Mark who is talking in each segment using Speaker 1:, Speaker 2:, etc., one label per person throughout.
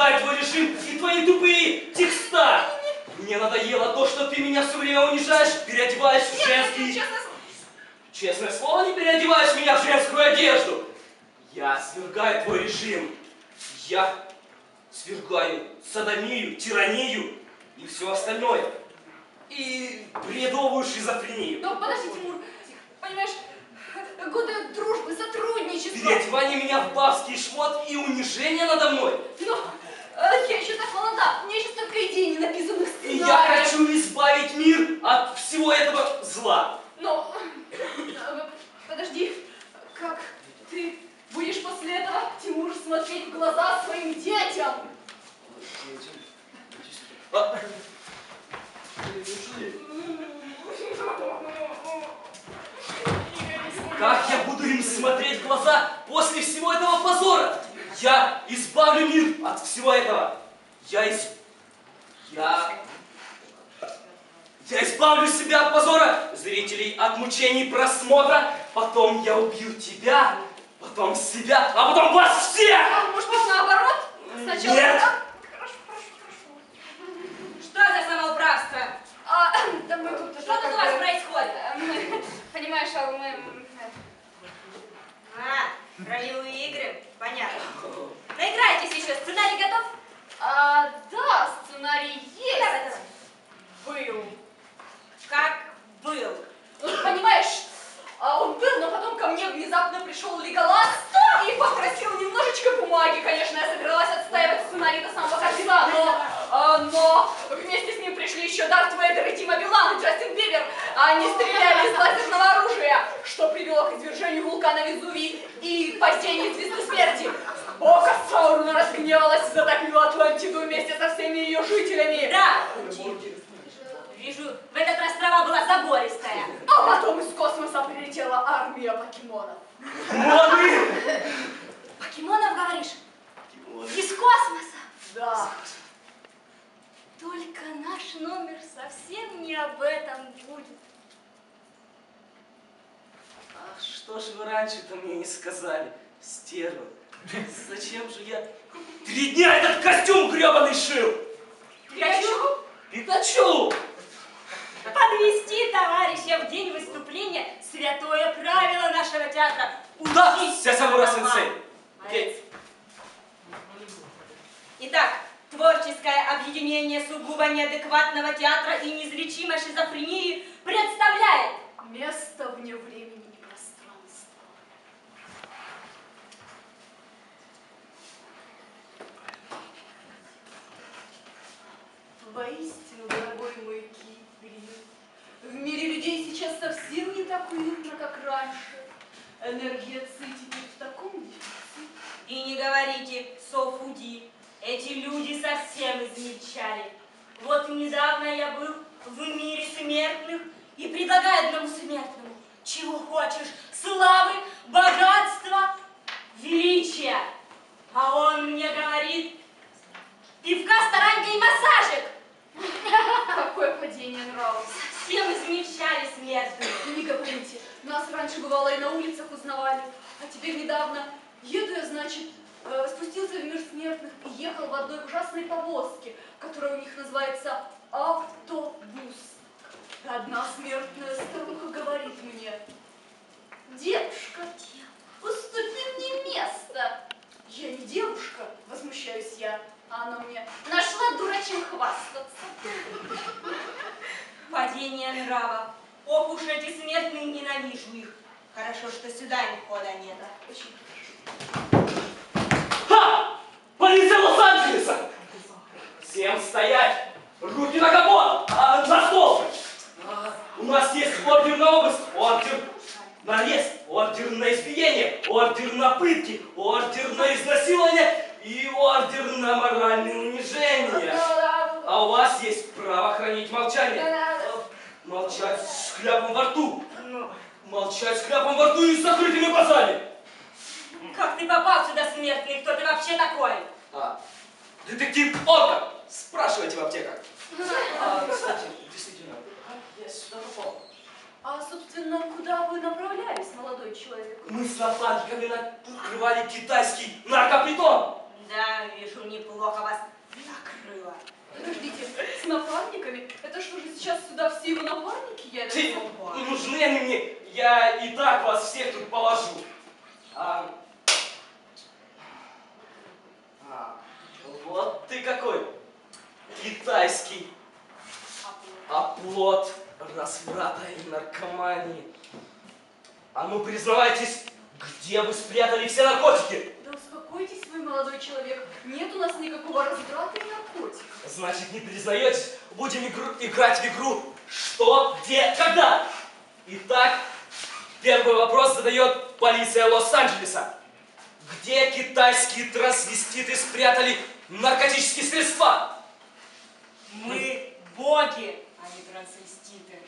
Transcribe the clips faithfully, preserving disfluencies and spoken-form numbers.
Speaker 1: свергаю твой режим и твои тупые текста. Мне надоело то, что ты меня все время унижаешь, переодеваешь в женский...
Speaker 2: Честное...
Speaker 1: Честное слово, не переодеваешь меня в женскую одежду. Я свергаю твой режим. Я свергаю содомию, тиранию и все остальное. И бредовую шизофрению.
Speaker 2: Но подожди, Тимур, понимаешь, годы дружбы, сотрудничества.
Speaker 1: Переодевание меня в бабский шмот и унижение надо мной.
Speaker 2: Но э, я еще так молода, у меня еще столько идей не написанных сценариев.
Speaker 1: И я хочу избавить мир от всего этого зла.
Speaker 2: Но, э, подожди, как ты будешь после этого, Тимур, смотреть в глаза своим детям?
Speaker 1: А? Как я буду им смотреть в глаза после всего этого позора? Я избавлю мир от всего этого. Я из... Я... Я избавлю себя от позора, зрителей от мучений просмотра. Потом я убью тебя, потом себя, а потом вас всех!
Speaker 2: А, может быть, наоборот? Сначала...
Speaker 1: Нет!
Speaker 2: Хорошо, хорошо, хорошо.
Speaker 3: Что за самоуправство?
Speaker 2: А, да мы тут...
Speaker 3: Что тут у вас происходит?
Speaker 2: Мы, понимаешь, а мы...
Speaker 3: А, ролевые игры? Понятно. Наиграйтесь еще. Сценарий готов?
Speaker 2: А, да, сценарий есть.
Speaker 3: Давай, давай.
Speaker 2: Был.
Speaker 3: Как был?
Speaker 2: Понимаешь, а он был, но потом ко мне внезапно пришел Леголас и попросил немножечко бумаги. Конечно, я собиралась отстаивать сценарий до самого конца, но, а, но вместе с ним пришли еще Дарт Вейдер и Тима Билан и Джастин Бибер. Они стреляли из лазерного оружия, что привело к извержению вулкана Везувий и падению звезды смерти. Око Саурона разгневалась и затопила Атлантиду вместе со всеми ее жителями.
Speaker 3: Да, учи. Вижу, в этот раз трава была забористая.
Speaker 2: А потом из космоса прилетела армия покемонов.
Speaker 1: Покемоны!
Speaker 3: Покемонов, говоришь? Из космоса?
Speaker 2: Да.
Speaker 3: Только наш номер совсем не об этом будет.
Speaker 1: А что ж вы раньше-то мне не сказали, стерва? Зачем же я три дня этот костюм гребаный шил?
Speaker 3: Пикачу?
Speaker 1: Пикачу!
Speaker 3: Подвести товарища в день выступления – святое правило нашего театра.
Speaker 1: Да,
Speaker 3: Учись,
Speaker 1: Сясамура-сенсей.
Speaker 3: Молодец. Итак, творческое объединение сугубо неадекватного театра и неизлечимой шизофрении представляет
Speaker 2: Место вне времени и пространства. Воистину, дорогой мой Киприн, в мире людей сейчас совсем не так уютно, как раньше. Энергия Ци теперь в таком дефиците.
Speaker 3: И не говорите «софуди». Эти люди совсем измельчали. Вот недавно я был в мире смертных и предлагаю одному смертному: чего хочешь? Славы, богатства, величия. А он мне говорит: пивка, старанька и массажик.
Speaker 2: Какое падение нравов.
Speaker 3: Совсем измельчали смертные.
Speaker 2: Не говорите, нас раньше бывало и на улицах узнавали, а теперь недавно еду я, значит, э, спустился в мир смертных и ехал в одной ужасной повозке, которая у них называется автобус. И одна смертная старуха говорит мне: девушка, уступи мне место. Я не девушка, возмущаюсь я, а она мне: нашла дурачьим хвастаться.
Speaker 3: Падение нравов. Ох уж эти смертные, ненавижу их. Хорошо, что сюда им хода нет.
Speaker 2: Очень
Speaker 1: Ха! Полиция Лос-Анджелеса! Всем стоять! Руки на капот! А, на стол! А, у нас есть ордер на обыск, ордер на арест, ордер на избиение, ордер на пытки, ордер на изнасилование и ордер на моральное унижение. А у вас есть право хранить молчание. Молчать с хляпом во рту. Молчать с хляпом во рту и с закрытыми глазами.
Speaker 3: Как ты попал сюда, смертный? Кто ты вообще такой?
Speaker 1: А, детектив Орка. Спрашивайте в аптеках. А, кстати, действительно, как я сюда попал?
Speaker 2: А, собственно, куда вы направлялись, молодой человек?
Speaker 1: Мы с напарниками накрывали китайский наркопритон.
Speaker 3: Да, вижу, неплохо вас накрыло.
Speaker 2: Подождите, с напарниками? Это что же сейчас сюда все его напарники едут?
Speaker 1: Ты, нужны они мне, я и так вас всех тут положу. А, а, вот ты какой китайский оплот разврата и наркомании. А ну признавайтесь, где вы спрятали все наркотики?
Speaker 2: Да успокойтесь вы, молодой человек. Нет у нас никакого разврата и наркотиков.
Speaker 1: Значит, не признаетесь, будем игру, играть в игру «Что, где, когда?». Итак, первый вопрос задает полиция Лос-Анджелеса. Где китайские трансвеститы спрятали наркотические средства?
Speaker 3: Мы боги, а не трансвеститы.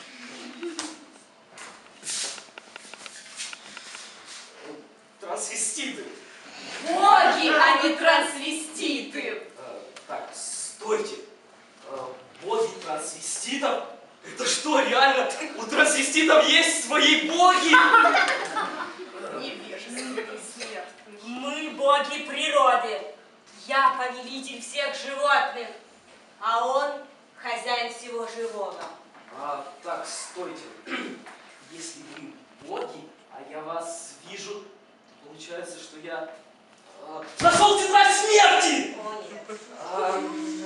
Speaker 1: Трансвеститы.
Speaker 2: Боги, а не трансвеститы.
Speaker 1: А, так, стойте. А, боги трансвеститов? Это что, реально? У трансвеститов есть свои боги?
Speaker 2: Невежественный смертный.
Speaker 3: Мы боги природы. Я повелитель всех животных, а он хозяин всего живого.
Speaker 1: А, так, стойте. Если вы боги, а я вас вижу, получается, что я а, нашел тетрадь смерти!
Speaker 3: О, нет.
Speaker 1: А,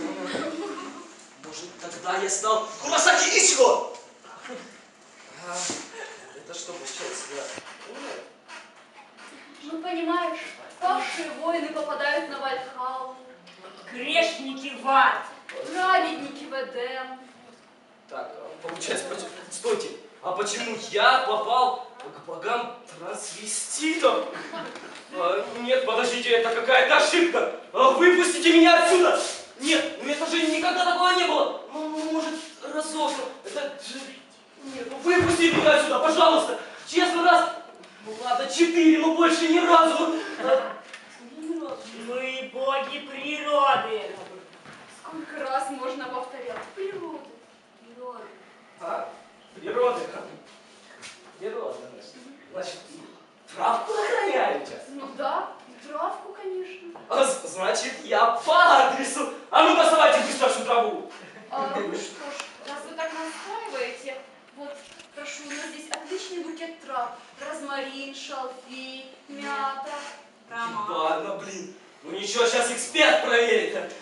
Speaker 1: может, тогда я стал Куросаки Ичиго? А, это что получается? Я умер?
Speaker 2: Ну, понимаешь, павшие воины попадают на Вальхаллу,
Speaker 3: Грешники в ад.
Speaker 2: праведники в Эдем.
Speaker 1: Так, получается, поч- стойте, а почему я попал к богам трансвеститов? А, нет, подождите, это какая-то ошибка. А, выпустите меня отсюда! Нет, ну это же никогда такого не было. Ну, может, разок. Это же... Нет, ну выпустите меня отсюда, пожалуйста. Честно, раз... Ну ладно, четыре, но больше ни разу. А, ни разу.
Speaker 3: Мы боги природы.
Speaker 2: Сколько раз можно повторять? Природа, природа.
Speaker 1: А, природа. Природа, значит. Значит, травку охраняете?
Speaker 2: Ну да, травку, конечно.
Speaker 1: А, значит, я по адресу. А ну доставайте быстро всю траву.
Speaker 2: А, ну что ж, раз вы так настаиваете, вот, прошу, у нас здесь отличный букет трав. Розмарин, шалфей, мята.
Speaker 3: Роман.
Speaker 1: Ладно, блин. Ну ничего, сейчас эксперт проверит.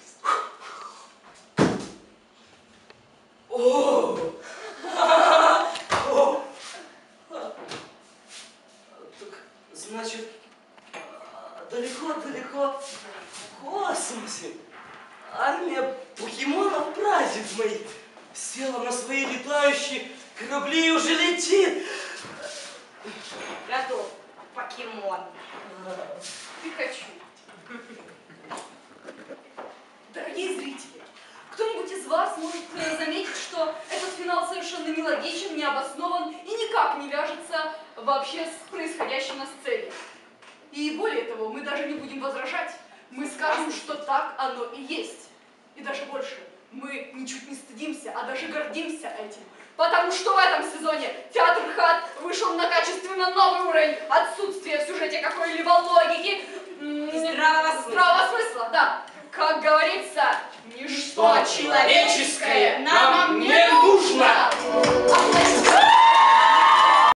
Speaker 1: О! О! Так, значит, далеко-далеко в космосе армия покемонов прадед моих села на свои летающие корабли и уже летит.
Speaker 3: Готов. Покемон.
Speaker 2: Пикачу. Дорогие зрители, кто-нибудь из вас может э, заметить, что этот финал совершенно нелогичен, необоснован и никак не вяжется вообще с происходящим на сцене. И более того, мы даже не будем возражать. Мы скажем, что так оно и есть. И даже больше. Мы ничуть не стыдимся, а даже гордимся этим. Потому что в этом сезоне театр ХАТ вышел на качественно новый уровень отсутствия в сюжете какой-либо логики
Speaker 3: И здравого смысла.
Speaker 2: здравого смысла, да. Как говорится, ничто
Speaker 1: Что
Speaker 2: человеческое
Speaker 1: человеческое
Speaker 2: на